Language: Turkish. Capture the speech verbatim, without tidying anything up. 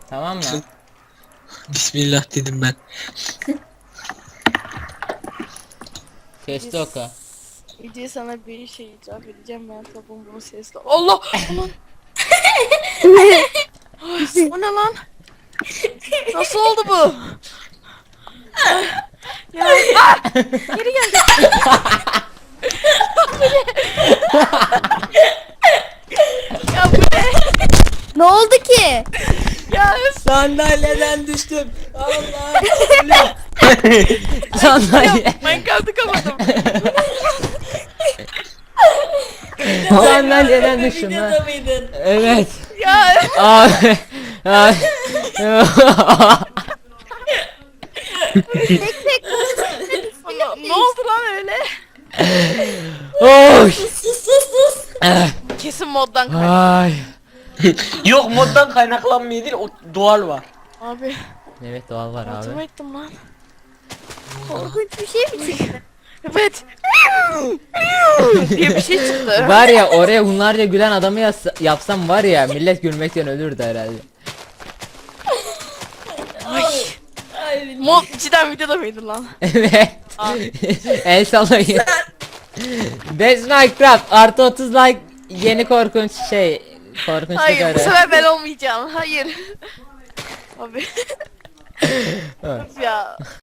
Tamam mı? Bismillah dedim ben. Testi oku. İyice sana bir şey itiraf edeceğim, ben tapın bunu sesle. Allah! Allah! Ay, o ne lan? Nasıl oldu bu? Ay, ya ah! Geri geldi. Ya bu ne? Ne oldu ki? Ya Sandalyeden düştüm. Allah. Sandalye. Minecraft'ı kapadım. Sandalyeden düştüm lan. Videoda mıydın? Evet. Ya Abi. Ay. Tek tek ne, ne oldu lan öyle? Oy. Sus sus sus. Eh, Kesin moddan kaynak. Ay. Yok moddan kaynaklanmıyor değil, o doğal var. Abi Evet doğal var abi. altıma ettim lan. korkunç bir şey mi çıktı? Evet. diye bir şey çıktı. Var ya oraya bunlarca gülen adamı yaz- yapsam var ya millet gülmekten ölürdü herhalde. Ay. Ay, Mod cidden videoda mıydı lan? Evet. Abi. El sallayın. Best Minecraft artı otuz like yeni korkunç şey korkunç Hayır bu sigara. sefer ben olmayacağım. Hayır. Abi. Evet. ya.